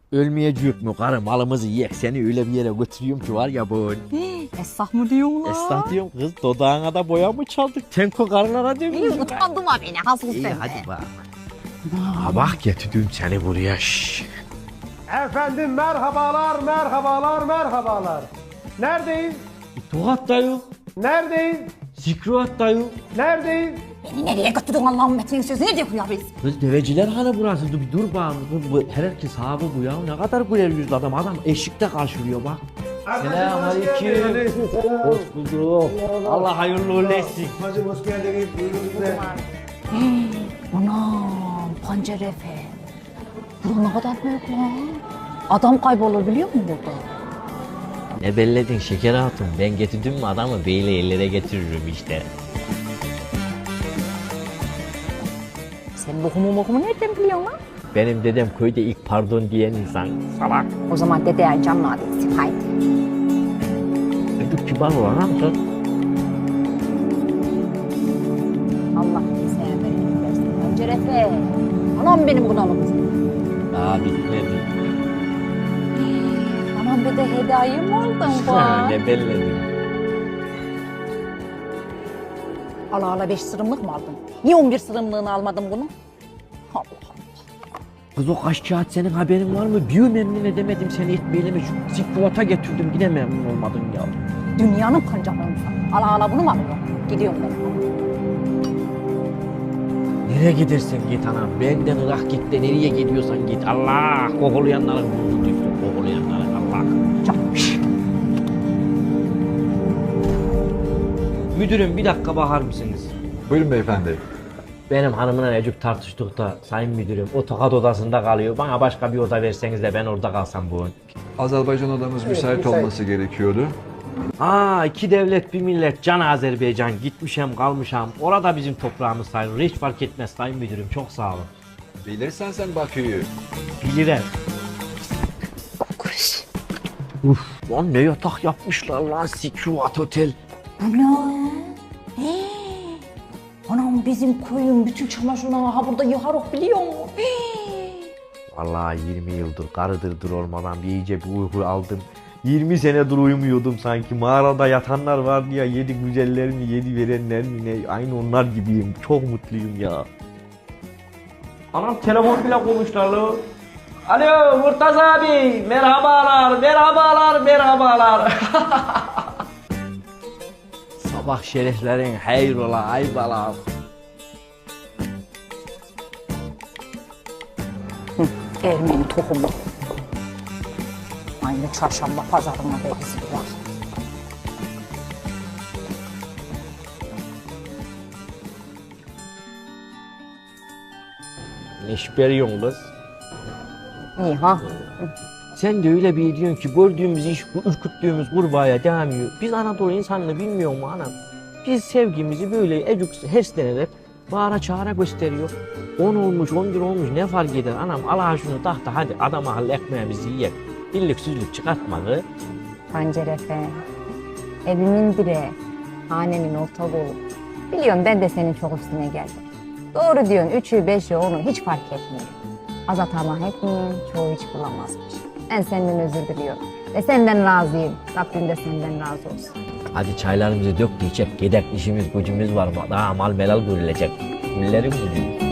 Ölmeyecek mi karı, malımızı yiyek, seni öyle bir yere götürüyorum ki var ya bu. Esnaf mı diyorsun lan? Esnaf diyorum kız, dodağına da boya mı çaldık? Tenko karılara İyi dönüyoruz. utandım ha beni hasıl İyi sen hadi de. bak. Ha bak getirdim seni buraya. Şşş. Efendim merhabalar, merhabalar, merhabalar. Neredeyiz? Tokat da yok, Neredeyiz? zikruat da yok. Neredeyiz? Beni nereye götürdün Allah'ın metinin sözü ne diyor ya biz? Kız deveciler hanı burası, dur bir dur bak. Herkes sahibi bu ya, ne kadar güler yüzlü adam, eşikte karşılıyor bak. Selamünaleyküm. Hoş bulduk. Allah hayırlı uğurlu etsin. Hacım hoş geldiniz. Buyurun size. Anam pancar efe. Bura ne kadar büyük lan. Adam kaybolur biliyor musun burada? Ne belledin şeker hatun, ben getirdim mi adamı beyle ellere getiririm işte. Sen lokumu nereden biliyorsun lan? Benim dedem köyde ilk pardon diyen insan. Salak. O zaman dedeye canlı adetsin haydi. Çocuk kibar olan amca. Allah sana bereket versin. Pancar efe. Anam benim bunalım kızım. Daha bitmedi. Anam bir de hediye mi aldın bak? Ne belledin. Ala ala 5 sırımlık mı aldın? Niye 11 sırımlığını almadın bunu? Allah Allah. Kız o kaç kağıt senin haberin var mı? Bir memnun edemedim seni etmeyelim. Şu zikruata getirdim yine memnun olmadın ya. Dünyanın pancarlarını ala ala bunu mu alıyorsun? Gidiyorum ben. Nereye gidersen git anam. Benden ırak git de nereye gidiyorsan git. Allah kokulayanların burnunu düşsün. Kokulayanların Allah. Çakmış. Müdürüm bir dakika bakar mısınız? Buyurun beyefendi. Benim hanımla Necip tartıştık da sayın müdürüm o tokat odasında kalıyor. Bana başka bir oda verseniz de ben orada kalsam bu. Azerbaycan odamız müsait olması gerekiyordu. Aa, iki devlet bir millet can Azerbaycan, gitmişem kalmışam. Orada bizim toprağımız sayılır. Hiç fark etmez sayın müdürüm, çok sağ olun. Bilirsen sen Bakü'yü. Bilirim. Kuş. Uf, lan ne yatak yapmışlar lan, Sikruat Otel. Bu ne? Anam bizim koyun bütün çamaşırlarını ha burada yıkarok biliyor musun? Vallahi 20 yıldır karıdırdır olmadan bir iyice bir uyku aldım. 20 senedir uyumuyordum sanki. Mağarada yatanlar vardı ya, yedi güzeller mi, yedi verenler mi ne? Aynı onlar gibiyim. Çok mutluyum ya. Anam telefon bile konuştular lo. Alo Murtaza abi, merhabalar, merhabalar, merhabalar. Sabah şereflerin hayrola aybalar. Ermeni tohumu. Aynı çarşamba pazarına benziyorlar. Ne şüpheliyorsun kız? İyi ha? Sen de öyle bir diyorsun ki gördüğümüz iş, ürküttüğümüz kurbağaya devam ediyor. Biz Anadolu insanını bilmiyor mu anam? Biz sevgimizi böyle ecuk heslenerek bağıra çağıra gösteriyor. 10 olmuş, 11 olmuş ne fark eder anam? Allah şunu tahta hadi adam akıllı ekmeğimizi yiyek. İllik süzlük çıkartmadı. Pancar efe. Evimin direği. Hanemin orta dolu. Biliyorum ben de senin çok üstüne geldim. Doğru diyorsun 3'ü 5'i 10'u hiç fark etmiyor. Az atama etmiyor, çoğu hiç bulamazmış. Ben senden özür diliyorum. Ve senden razıyım. Rabbim de senden razı olsun. Hadi çaylarımızı dök de içek. Gedek işimiz gücümüz var. Daha mal melal görülecek. Güllerim gibi.